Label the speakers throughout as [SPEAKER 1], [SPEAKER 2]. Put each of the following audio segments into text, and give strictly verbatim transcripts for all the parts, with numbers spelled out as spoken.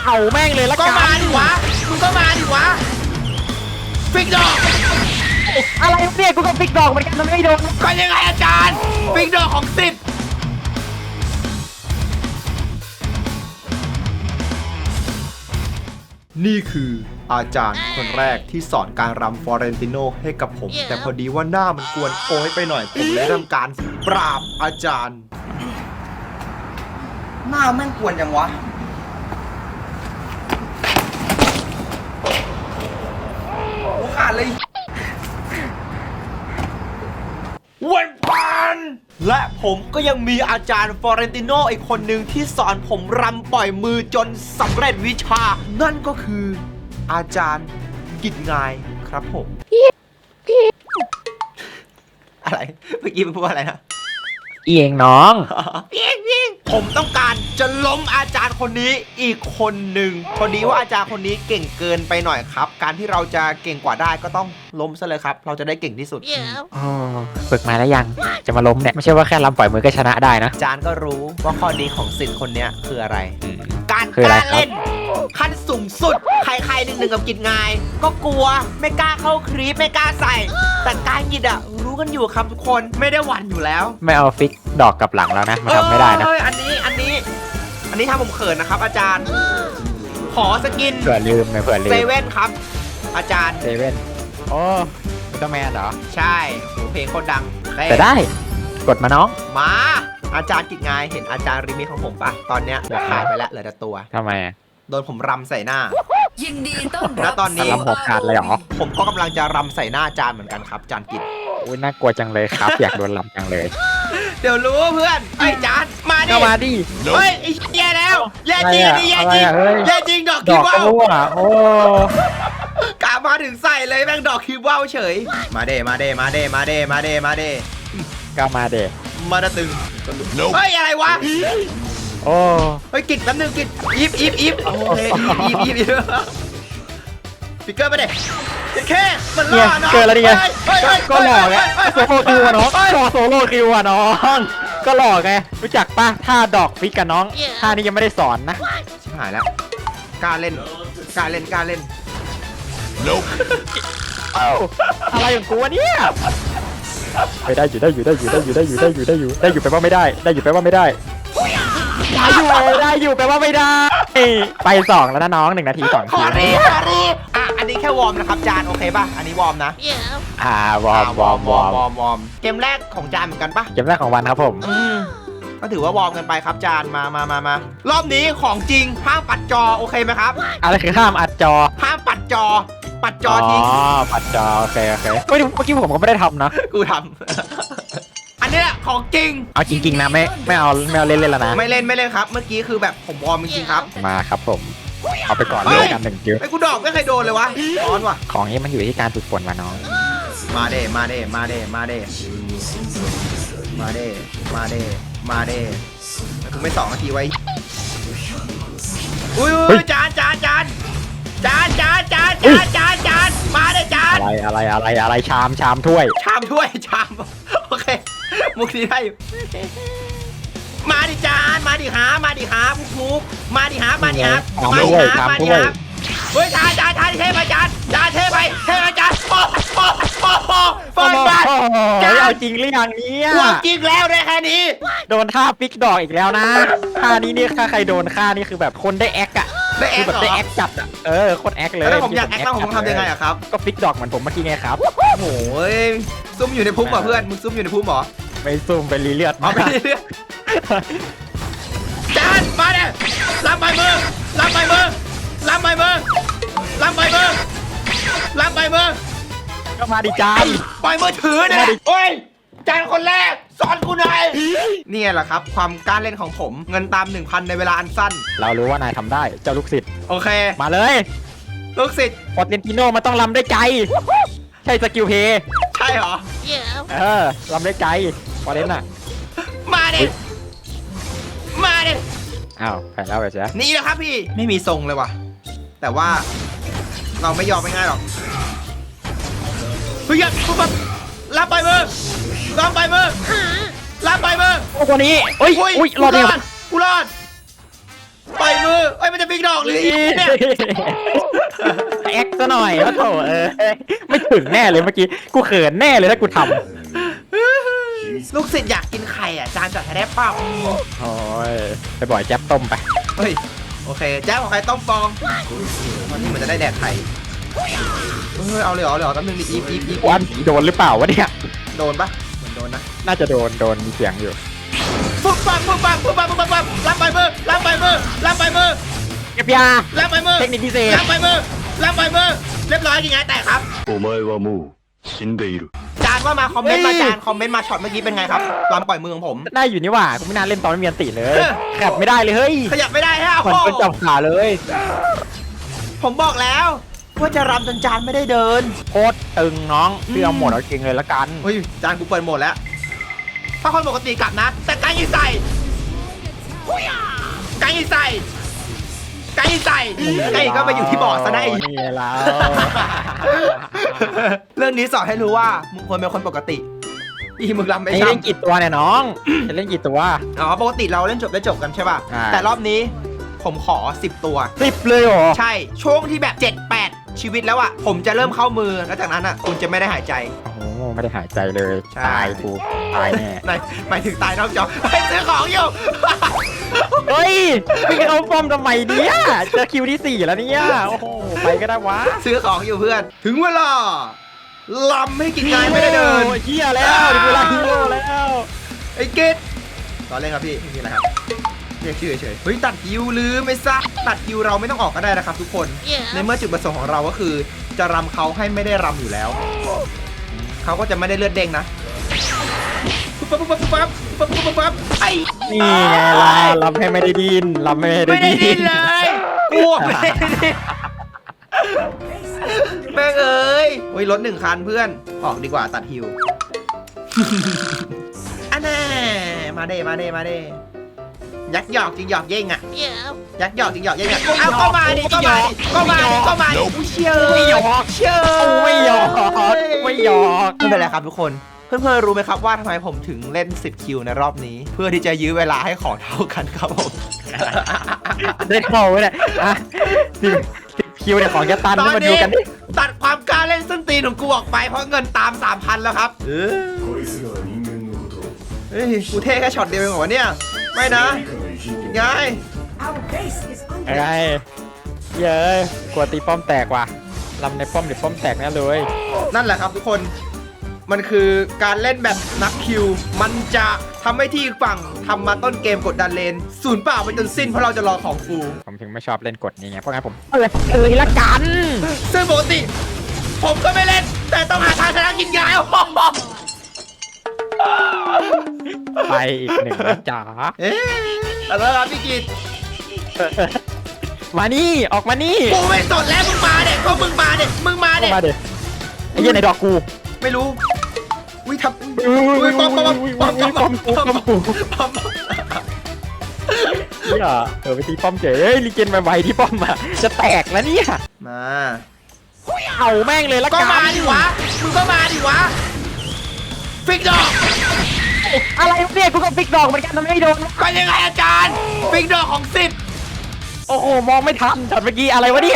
[SPEAKER 1] เผาแม่งเลยละ
[SPEAKER 2] ก็
[SPEAKER 1] กัน
[SPEAKER 2] มาดิวะมึงก็มาดิวะฟิกดอก
[SPEAKER 1] อะไรเนี่ยกูก็ฟิกดอกเหมือนกันมันไม่โดน
[SPEAKER 2] ก็ยังไงอาจารย์ฟิกดอกของสิทธิ์นี่คืออาจารย์คนแรกที่สอนการรำฟลอเรนติโนให้กับผม แต่พอดีว่าหน้ามันกวนโอยไปหน่อย ผมเลยทำการปราบอาจารย์ หน้าแม่งกวนยังวะโอ้ขาดเลยวันปันและผมก็ยังมีอาจารย์ฟลอเรนติโนอีกคนหนึ่งที่สอนผมรำปล่อยมือจนสำเร็จวิชา นั่นก็คืออาจารย์กิจงายครับผม อะไรเมื่อกี้มึงพูดอะไรนะ
[SPEAKER 1] เอียงน้อง
[SPEAKER 2] เพียงเพียงผมต้องการจะล้มอาจารย์คนนี้อีกคนหนึ่งพอดีว่าอาจารย์คนนี้เก่งเกินไปหน่อยครับ การที่เราจะเก่งกว่าได้ก็ต้องล้มซะเลยครับ เราจะได้เก่งที่สุด
[SPEAKER 1] อ๋อฝึกมาแล้วยังจะมาล้มเนี่ยไม่ใช่ว่าแค่ลำปล่อยมือก็ชนะได้นะ
[SPEAKER 2] อาจารย์ก็รู้ว่าข้อดีของสิทธิ์คนเนี้ยคืออะไร การ
[SPEAKER 1] คือก อะไร
[SPEAKER 2] ล้า
[SPEAKER 1] ครับ
[SPEAKER 2] เล่น ขั้นสูงสุด ใครๆหนึ่งหนึ่งกับกิจงาย ก็กลัวไม่กล้าเข้าครีปไม่กล้าใส่ แต่การกิจอะรู้กันอยู่ครับทุกคนไม่ได้หวั่นอยู่แล้ว
[SPEAKER 1] ไม่เอาฟิกดอกกับหลังแล้วนะมันทำไม่ได้นะ
[SPEAKER 2] เอ้ยอันนี้อันนี้อันนี้ทำผมเขินนะครับ อาจารย์ ขอสกิน
[SPEAKER 1] เผื่อลืมนะเผื่อลื
[SPEAKER 2] เซ
[SPEAKER 1] ม
[SPEAKER 2] เว่นครับ อาจารย์
[SPEAKER 1] เซเว่นโอ้อุลตร้าแมนเหรอ
[SPEAKER 2] ใช่โหเพลงโคตรดัง
[SPEAKER 1] แต่ได้กดมาน้อง
[SPEAKER 2] มา อาจารย์กิจงายเห็นอาจารย์ริมิของผมปะตอนเนี้ยหัวขาดไปแล้วเหลือแต่ตัว
[SPEAKER 1] ทำไมอะ
[SPEAKER 2] โดนผมรำใส่หน้า
[SPEAKER 3] ยินดีต้อน
[SPEAKER 2] แล้
[SPEAKER 3] รับ
[SPEAKER 2] วตอนนี้
[SPEAKER 1] ลำหัวขาดเลยเหรอ
[SPEAKER 2] ผมก็กำลังจะรำใส่หน้าอาจารย์เหมือนกันครับอาจารย์กิจ
[SPEAKER 1] อุ้ยน่ากลัวจังเลยครับ อยากโดนลำจังเลย
[SPEAKER 2] เดี๋ยวรู้เพื่อนไอ้ยอาจารย์มาดิ
[SPEAKER 1] ก็มาดิ
[SPEAKER 2] เฮ้ยไอ้แย่แล้วแย่จริง
[SPEAKER 1] อะไรอะ
[SPEAKER 2] นี่แย่จริง
[SPEAKER 1] อะไรอะเฮ้ย
[SPEAKER 2] แย่จริงดอก
[SPEAKER 1] ด
[SPEAKER 2] คิ
[SPEAKER 1] อ
[SPEAKER 2] ว
[SPEAKER 1] ก
[SPEAKER 2] ว่าว
[SPEAKER 1] รั่วโอ้
[SPEAKER 2] กะมาถึงใส่เลยแม่งดอกคิวว่าวเฉย มาเดมาเดมาเดมาเดมาเดมาเด
[SPEAKER 1] ก็มาเด็
[SPEAKER 2] มาดะตึงเฮ้ยอะไรวะ
[SPEAKER 1] โอ้
[SPEAKER 2] เฮ้ยกิจแป๊บนึงกิจอีฟอีฟอีฟโอเคอีฟอีฟอีฟฟิกเกอร์ไปเด็แค่มันล่
[SPEAKER 1] เนี่ย
[SPEAKER 2] อเนาะ
[SPEAKER 1] เกินแล้วนี่ไง
[SPEAKER 2] เฮ้ยเฮ้ย
[SPEAKER 1] ก็หล่อไง
[SPEAKER 2] เฮ้ย
[SPEAKER 1] โซโลคิวอะน้อง
[SPEAKER 2] เฮ้ย
[SPEAKER 1] รอโซโลคิวอะน้องก็หล่อไงรู้จักป่ะท่าดอกฟิกกับน้องท่านี้ยังไม่ได้สอนนะ
[SPEAKER 2] ชิบหายแล้วกล้าเล่นกล้าเล่นกล้าเล่น
[SPEAKER 1] เอ้าอะไรของกูวะเนี่ยไปได้อยู่ได้อยู่ได้อยู่ได้อยู่ได้อยู่ได้อยู่ได้อยู่ได้อยู่แปลว่าไม่ได้ได้อยู่แปลว่าไม่ได้ได้อยู่ได้อยู่แปลว่าไม่ได้ไปสองแล้วนะน้องหนึ่งนาทีสอง
[SPEAKER 2] ขอ
[SPEAKER 1] ที
[SPEAKER 2] รีขอรีอ่ะอันนี้แค่วอร์มนะครับจานโอเคป่ะอันนี้วอร์มนะ
[SPEAKER 1] อ่าวอร์มวอร์มวอร์ม
[SPEAKER 2] วอร์มวอร์มเกมแรกของจานเหมือนกันป่ะ
[SPEAKER 1] เกมแรกของวันครับผม
[SPEAKER 2] อืมก็ถือว่าวอร์มกันไปครับจานมามามามารอบนี้ของจริงห้ามปัดจอโอเคไหมครับ
[SPEAKER 1] อะไรคือห้ามอัดจอ
[SPEAKER 2] ห้ามปัดจอ ปัดจอทิ้ง
[SPEAKER 1] อ๋อปัดจอโอเคโอเคเฮ้ยเมื่อกี้ผมก็ไม่ได้ทำนะ
[SPEAKER 2] กูทำ อันนี้แหละของจริง
[SPEAKER 1] เอาจริงๆนะไม่ไม่เอาไม่เอาเล่นเล่นแล้วนะ
[SPEAKER 2] ไม่เล่นไม่เล่นครับ เมื่อกี้คือแบบผมวอร์มจริงๆครับ
[SPEAKER 1] มาครับผมเอาไปก่อน
[SPEAKER 2] เฮ้
[SPEAKER 1] เลย ยกันหนึ่งคิว
[SPEAKER 2] ไอ้กูดอกไม่เคยโดนเลยวะร้อนว่ะ
[SPEAKER 1] ของนี้มันอยู่ที่การฝึกฝนมาน้อง
[SPEAKER 2] มาเด้มาเด้มาเด้มาเด้มาเด้มาเด้มาเด้กูไม่สองนาทีไว้อุ้ยอุ้ยจานจานจานจานจานจานจานจานจานมาเด้จาน
[SPEAKER 1] อะไรอะไรอะไรอะไรชามชามถ้วย
[SPEAKER 2] ชามถ้วยชามโอเคมุกนี้ได้อยู่มาดิจานมาดิหามาดิหาพุกพุกมาดิหามาดิหามาดิหามาดิหาเฮ้ยจานจานจานเทไปจานจานเทไปเทไปจานโอ้โอ้โอ้โอ้เฟิร์นบัต
[SPEAKER 1] จานเอาจริงหรือยังเนี่ย
[SPEAKER 2] กวงจริงแล้วได้แค่นี้
[SPEAKER 1] โดนท่าฟิกดอกอีกแล้วนะท่านี้นี่ถ้าใครโดนท่านี่คือแบบคนได้แอคอะ
[SPEAKER 2] ได้แอ
[SPEAKER 1] คือ
[SPEAKER 2] ค
[SPEAKER 1] แบบ
[SPEAKER 2] เหร
[SPEAKER 1] ได้
[SPEAKER 2] อ
[SPEAKER 1] แอคจัดอะเออโคตรแอคเลย
[SPEAKER 2] แล้วผมอยากแอคต้องผมต้องทำยังไงอะครับ
[SPEAKER 1] ก็ฟิกดอกเหมือนผมเมื่อกี้ไงครับ
[SPEAKER 2] โอ้ยซุ่มอยู่ในพุ่มเหรอเพื่อนมึงซุ่มอยู่ในพุ่มเหรอ
[SPEAKER 1] ไม่ซุ่มไปรีเลือด
[SPEAKER 2] เอาไปเรื่อยจานมาเนี่ยรับใบมือรับใบมือรับใบมือรับใบมือรับใบมือ
[SPEAKER 1] ก็มาดิจาน
[SPEAKER 2] ปล่อยมือถือเนี่ยโอ้ยจานคนแรกสอนกูหน่อยนี่แหละครับ ความกล้าเล่นของผมเงินตาม หนึ่งพัน ในเวลาอันสั้น
[SPEAKER 1] เรารู้ว่านายทำได้เจ้าลูกศิษย์
[SPEAKER 2] โอเค
[SPEAKER 1] มาเลย
[SPEAKER 2] ลูกศิษย์
[SPEAKER 1] ปอเตนติโนมันต้องลำได้ใจ ใช่สกิลเพย์
[SPEAKER 2] ใช่เหรอ
[SPEAKER 1] เออลำได้ใจปอเตนน่ะ
[SPEAKER 2] มาดิมาดิ
[SPEAKER 1] อ้าวแพ้แล้วไปเสีย
[SPEAKER 2] นี่แหละครับพี่ไม่มีทรงเลยว่ะ แต่ว่าเราไม่ยอมไม่ง่ายหรอกเฮ้ยปุ๊บปั๊บรับไปมือรับไปมือรับไปมือ
[SPEAKER 1] โอ้คนนี้เอ้ย
[SPEAKER 2] อุ้ย
[SPEAKER 1] อุ้ยร
[SPEAKER 2] กู
[SPEAKER 1] อด
[SPEAKER 2] ร
[SPEAKER 1] เดียว
[SPEAKER 2] อดกูรอดไปมือเอ้ยมันจะฟิกดอกหรืออีเนี่ย
[SPEAKER 1] แอคซะหน่อยว่าโถเออไม่ถึงแน่เลยเมื่อกี้กูเขินแน่เลยถ้ากูทำ
[SPEAKER 2] ลูกศิษย์อยากกินไข่อ่ะจานจัดให้ได้เปล่า
[SPEAKER 1] โอ้ยไปบ่อยแจ๊บต้มไป
[SPEAKER 2] เฮ้ยโอเคแจ๊บของใครต้มฟองวันนี้เหมือนจะได้แดกไข่เฮ้ยเอาเลยเหรอเลยเหรอแป๊บนึงดิอีฟอีฟอีฟ
[SPEAKER 1] วันโดนหรือเปล่าวะเนี่ย
[SPEAKER 2] โดนปะเหมือนโดนนะ
[SPEAKER 1] น่าจะโดนโดนมีเสียงอยู่
[SPEAKER 2] ปุ๊บปั๊บปุ๊บปั๊บปุ๊บปั๊บปุ๊บปั๊บปุ๊บรับไปมือรับไปมือรับไปมือ
[SPEAKER 1] เก็บยา
[SPEAKER 2] รับไปมือ
[SPEAKER 1] เทคนิคพิเศษ
[SPEAKER 2] รับไปมือรับไปมือเรียบร้อยยังไงแต่ครับ
[SPEAKER 3] お前はもう死んでいる。
[SPEAKER 2] จานว่ามาคอมเมนต์มาจานคอมเมนต์มาช็อตเมื่อกี้เป็นไงครับลำปล่อยมือของผม
[SPEAKER 1] ได้อยู่นี่หว่ากูไม่น่าเล่นตอนไม่มีอันติเลยขับไม่ได้เลยเฮ้ย
[SPEAKER 2] ขยับไม่ได้ฮะ
[SPEAKER 1] เหมือน
[SPEAKER 2] โอ้โห
[SPEAKER 1] เป็นจับขาเลย
[SPEAKER 2] ผมบอกแล้วว่าจะรำจนจานไม่ได้เดิน
[SPEAKER 1] โคตรตึงน้องเสื้อหมดเอาจริงเลยละกัน
[SPEAKER 2] เฮ้ยจานกูเปิดหมดแล้ว ถ้าคนปกติกลับนะ แต่ไก่ยิงใส่ไก่ยิงใส่ไก่ยิงใส่ไก่ก็ไปอยู่ที่บ่อซะได้
[SPEAKER 1] นี่แล้ว
[SPEAKER 2] เรื่องนี้สอนให้รู้ว่ามึงควรเป็นคนปกติอีมึงรำไม่
[SPEAKER 1] ไอ้
[SPEAKER 2] ใช่
[SPEAKER 1] เล่นกี่ตัวเนี่ยน้องจะเล่นกี่ตัว
[SPEAKER 2] อ๋อปกติเราเล่นจบได้จบกันใช่ป่ะ
[SPEAKER 1] ใช่
[SPEAKER 2] แต่รอบนี้ผมขอสิบตัว
[SPEAKER 1] สิบเลยเหรอ
[SPEAKER 2] ใช่ช่วงที่แบบเจ็ดแปดชีวิตแล้วอ่ะผมจะเริ่มเข้ามือแล้วจากนั้นอ่ะคุณจะไม่ได้หายใจ
[SPEAKER 1] โอ้โหไม่ได้หายใจเลย
[SPEAKER 2] ใช่
[SPEAKER 1] ตายกูตายแน่
[SPEAKER 2] หมายหมายถึงตายนอกจอไปซื้อของอยู่
[SPEAKER 1] เฮ้ยพี่เอาฟอร์มทำไมเนี่ยเจอคิวที่สี่แล้วเนี่ยโอ้โหไปก็ได้วะ
[SPEAKER 2] ซื้อของอยู่เพื่อน ถึงเวลาลำให้กินงานไม่ได้เดิน
[SPEAKER 1] โอ้ยเฮียแล้วถึงเวลาฮีโร่แล้ว
[SPEAKER 2] ไอ้เกตตอนเล่นครับพี่ไม่มีอะไรครับเรียกชื่อเฉยๆเฮ้ยตัดคิวลืมไม่ซะตัดคิวเราไม่ต้องออกก็ได้นะครับทุกคน ในเมื่อจุดประสงค์ของเราก็คือ จะรำเขาให้ไม่ได้รำอยู่แล้วเขาก็จะไม่ได้เลือดเด้งนะปุ๊บปั๊บปุ๊บปั๊บปุ๊บปั๊บปุ๊บปั๊บไอ้
[SPEAKER 1] นี่ไงล่ะลำให้ไม่ได้ดินลำไม่ได้
[SPEAKER 2] ไม่ได้
[SPEAKER 1] ดิ
[SPEAKER 2] ดิ้
[SPEAKER 1] น
[SPEAKER 2] นเลยกลัวไม่ได้ดิ้นแม่งเอ้ยโอ้ยรถหนึ่งคันเพื่อนออกดีกว่าตัดฮิว อันแน่มาเด้มาเด้มาเด้ยักหยอกจริงหยอกเย่งอ่ะยักหยอกจริงหยอกเย่งอ่ะเอาก็มาดิก็มาดิก็มาดิก็มาดิอุ้ยเชี่ย
[SPEAKER 1] ไม่หยอก
[SPEAKER 2] เชี่ย
[SPEAKER 1] ไม่หยอกไม่หยอก
[SPEAKER 2] ไม่เป็นไรครับทุกคนเพื่อนๆรู้ไหมครับว่าทำไมผมถึงเล่นสิบคิวในรอบนี้ เพื่อที่จะยื้อเวลาให้ของเท่ากันครับผม
[SPEAKER 1] ได้เข้าไว้เลยอ่ะสิบสิบคิวเนี่ยของแกตัน
[SPEAKER 2] ตอน
[SPEAKER 1] มาดู
[SPEAKER 2] นี้
[SPEAKER 1] กันดิ
[SPEAKER 2] ตัดความกล้าเล่นส้นตีนของกูออกไปเพราะเงินตาม สามพัน แล้วครับเออ
[SPEAKER 3] こいつらは人間のことを
[SPEAKER 2] เฮ้ยกูเท่แค่ช็อตเดียวเองเหรอวะเนี่ยไม่นะ
[SPEAKER 3] 以下の偉人
[SPEAKER 2] ไง
[SPEAKER 1] ไงเย้ยกลัวตีป้อมแตกว่ะลำในป้อมเดี๋ยวป้อมแตกแน่เลย
[SPEAKER 2] นั่นแหละครับทุกคนมันคือการเล่นแบบนักคิว มันจะทำให้ที่อีกฝั่งทำมาต้นเกมกดดันเลนศูนย์เปล่าไปจนสิ้นเพราะเราจะรอของฟู
[SPEAKER 1] ผมถึงไม่ชอบเล่นกฎนี้ไงเพราะงั้นผมเออเออละกัน
[SPEAKER 2] ซึ่งปกติ ผมก็ไม่เล่น แต่ต้องหาทางชนะกินยายโอ้โห
[SPEAKER 1] ไปอีกหนึ่งนะจ๋า
[SPEAKER 2] เอ๊ะแล้วครับพี่กิต
[SPEAKER 1] มานี่ออกมานี่
[SPEAKER 2] กูไม่สนแล้วมึงมาเด็กก็มึงมาเด็กมึงมา
[SPEAKER 1] เข้า
[SPEAKER 2] เด็ก
[SPEAKER 1] มาเดี๋ยวไอ้เหี้ยในดอกกู
[SPEAKER 2] ไม่รู้วิทับ
[SPEAKER 1] อุ้ย
[SPEAKER 2] วิปอมปอมปอมปอมปอมปอม
[SPEAKER 1] ป้อมกู
[SPEAKER 2] ปอม
[SPEAKER 1] เนี่ยเออไปตีป้อมเฉยเฮ้ยรีเจนไวๆที่ป้อมอะจะแตกแล้วเนี่ย
[SPEAKER 2] มา
[SPEAKER 1] เอาแม่งเลยละ
[SPEAKER 2] ก็
[SPEAKER 1] กัน
[SPEAKER 2] มาดิวะมึงก็มาดิวะฟิกดอก
[SPEAKER 1] อะไรเนี่ยกูก็ฟิกดอกเหมือนกันทำไมไม่โดน
[SPEAKER 2] ไปยังไงอาจารย์ฟิกดอกของสิบ
[SPEAKER 1] โอ้โหมองไม่ทันช็อตเมื่อกี้อะไรวะเนี่ย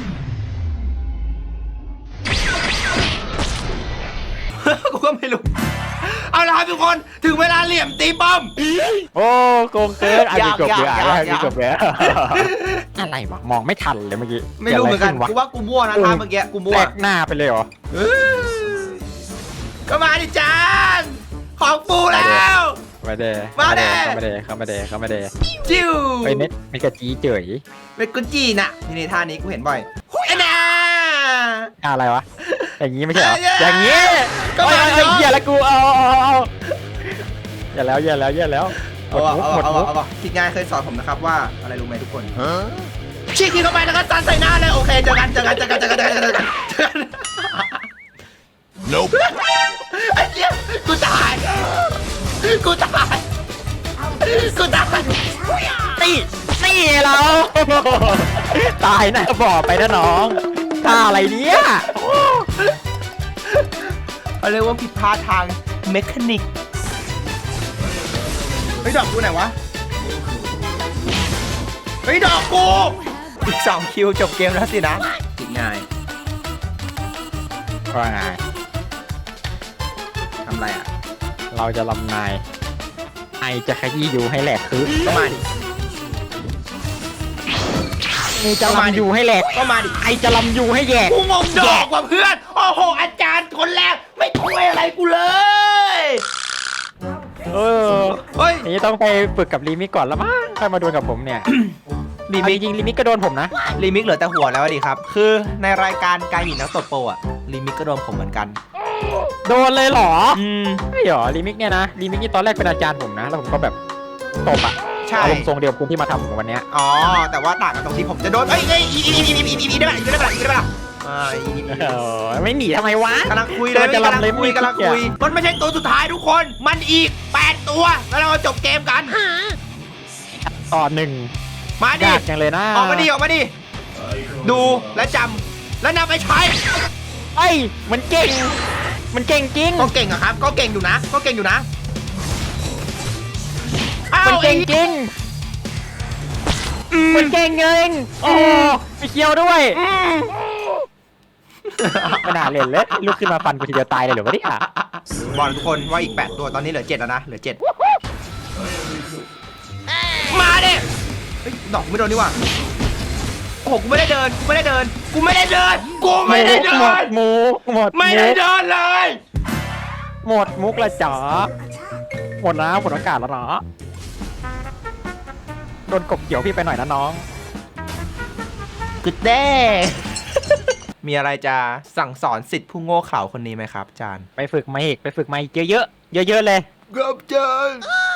[SPEAKER 2] กูก็ไม่รู้ เอาละครับทุกคนถึงเวลาเหลี่ยมตีป้อม
[SPEAKER 1] โอ้โกงเกินอ่ะ
[SPEAKER 2] อยา
[SPEAKER 1] มี
[SPEAKER 2] ก
[SPEAKER 1] จบเลย
[SPEAKER 2] อยาก
[SPEAKER 1] อ่ะ
[SPEAKER 2] อยาก
[SPEAKER 1] มีจบเลยอะไรวะมองไม่ทันเลยเมื่อกี้
[SPEAKER 2] ไม่รู้เหมือนกัน
[SPEAKER 1] กิดะไร
[SPEAKER 2] กู
[SPEAKER 1] ขึ้วะ
[SPEAKER 2] ว่ากูมั่วนะท่าเมื่อกี้กูมั่ว
[SPEAKER 1] แตกหน้าไปเลยเหรอ
[SPEAKER 2] เออก็มาดิจานของปูแล้ว
[SPEAKER 1] มาเด
[SPEAKER 2] มาเด้
[SPEAKER 1] เข้ามาเดเข้ามาเดเข้ามาเด
[SPEAKER 2] จิ้ว
[SPEAKER 1] เฮ้ยเม็ดเม็ดกระจีเจ๋ย
[SPEAKER 2] เป็นกุญจีน่ะนี่ในท่านี้กูเห็นบ่อยไอ้น่า
[SPEAKER 1] อะไรวะอย่างงี้ไม่ใช่เหรอ
[SPEAKER 2] เอ้ย
[SPEAKER 1] อย่างงี้
[SPEAKER 2] ก็มา
[SPEAKER 1] เอ้ย
[SPEAKER 2] ดิ
[SPEAKER 1] เอ้ย
[SPEAKER 2] น้อง
[SPEAKER 1] เหี้ยแล้วกูเอาเอาเอาเอาอย่าแล้วอย่าแล้วอย่าแล้วหม
[SPEAKER 2] เอา
[SPEAKER 1] ด
[SPEAKER 2] เอา
[SPEAKER 1] มุก
[SPEAKER 2] เอา
[SPEAKER 1] หมด
[SPEAKER 2] เอา
[SPEAKER 1] มุก
[SPEAKER 2] เอาคิดง่ายเคยสอนผมนะครับว่าอะไรรู้ไหมทุกคนชี้กินเข้าไปแล้วก็ซันใส่หน้าเลยโอเคเจอกันเจอกันเจอกันเจอกันเจอกันเจอกันเจอกัน
[SPEAKER 3] Nope
[SPEAKER 2] ไอ้เหี้ยกูตายกูตายกูตาย
[SPEAKER 1] นี่นี่เรา ตายนะบอกไปนะน้องท่าอะไรเนี่ย
[SPEAKER 2] เขาเรียกว่าผิดพลาดทางเมคานิกเฮ้ยดอกกูไหนวะเฮ้ยดอกกูอีกสองคิวจบเกมแล้วสินะอีกง่าย
[SPEAKER 1] ว่าไง
[SPEAKER 2] ทำไรอ่ะ
[SPEAKER 1] เราจะลำนายไอจะขยี้อยู่ให้แหลกคือ
[SPEAKER 2] ก็มาดิ
[SPEAKER 1] ไอจะลำอยู่ให้แหลก
[SPEAKER 2] ก็มาดิ
[SPEAKER 1] ไอจะลำอยู่ให้แยก
[SPEAKER 2] กูงงดอกว่ะเพื่อนโอ้โหอาจารย์คนแรกไม่ช่วยอะไรกูเลย
[SPEAKER 1] เออ
[SPEAKER 2] เฮ้ย
[SPEAKER 1] นี่ต้องไปฝึกกับลีมิกก่อนแล้วมั้งค่อยมาดวลกับผมเนี่ย
[SPEAKER 2] ลี
[SPEAKER 1] เอา
[SPEAKER 2] มิ
[SPEAKER 1] จ
[SPEAKER 2] ก
[SPEAKER 1] ริงๆลีมิกก็โดนผมนะ
[SPEAKER 2] ลีมิกเหลือแต่หัวแล้วอะดิครับ คือในรายการการหญิงนักตบโปรอะลีมิกก็โดนผมเหมือนกัน
[SPEAKER 1] โดนเลยเหรอ
[SPEAKER 2] อืม
[SPEAKER 1] ไม่หรอลีมิกเนี่ยนะลีมิกนี่ตอนแรกเป็นอาจารย์ผมนะแล้วผมก็แบบตบอะ
[SPEAKER 2] ใช่
[SPEAKER 1] อารมณ์ทรงเดียวกับคุณที่มาทำผมวันเนี้ย
[SPEAKER 2] อ๋อ แต่ว่าต่างกันตรงที่ผมจะโดนเอ้ยเอ้ยอีอีอีอีอีอีอีได้ปะอีได้ปะอีได้ปะอ่าอีอี
[SPEAKER 1] เออไม่หนีทำไมวะ
[SPEAKER 2] กำลังคุยเลย
[SPEAKER 1] จะ
[SPEAKER 2] กำลัง
[SPEAKER 1] ลำเลย
[SPEAKER 2] คุย
[SPEAKER 1] ไม่
[SPEAKER 2] กำลัง
[SPEAKER 1] ขี้เกียจ
[SPEAKER 2] คุยมันไม่ใช่ตัวสุดท้ายทุกคน มันอีกแปดตัวแล้วเราจบเกมกัน
[SPEAKER 1] ต่อหนึ่ง
[SPEAKER 2] มาดิ
[SPEAKER 1] ยากจังเลยนะ
[SPEAKER 2] ออกมาดิออกมาดิดูและจำและนำไปใช้
[SPEAKER 1] เอ้ยมันเก่ง มันเก่งจริง
[SPEAKER 2] ก็เก่งอะครับ ก็เก่งอยู่นะ ก็เก่งอยู่นะอ้าว
[SPEAKER 1] มันเก่ง
[SPEAKER 2] ไอ้
[SPEAKER 1] จริงมันเก่งเองโอ้มีเคียวด้วย
[SPEAKER 2] อืม
[SPEAKER 1] ไม่น่าเล่นเลยลุกขึ้นมาฟันกูทีเดียวตายเลยเหรอวะเนี่ย
[SPEAKER 2] บอกทุกคนว่าอีกแปดตัวตอนนี้เหลือเจ็ดแล้วนะเหลือเจ็ดมาดิเฮ้ยดอกกูไม่โดนนี่หว่าโอ้โหกูไม่ได้เดินกูไม่ได้เดินกูไม่ได้เดินกูไม่ได้เดิ
[SPEAKER 1] หมด
[SPEAKER 2] น
[SPEAKER 1] หมูหมด
[SPEAKER 2] ไม่ได้
[SPEAKER 1] มุก
[SPEAKER 2] เดินเลย
[SPEAKER 1] หมดมุกละจ๋าหมดนะหมดอากาศแล้วเนาะโดนกบเกี่ยวพี่ไปหน่อยนะน้อง
[SPEAKER 2] กึดแด้ มีอะไรจะสั่งสอนสิทธิ์ผู้โง่เขลาคนนี้ไหมครับอาจารย์
[SPEAKER 1] ไปฝึกมาอีกไปฝึกมาอีกเยอะๆเยอะๆเลย
[SPEAKER 2] ครับอาจารย์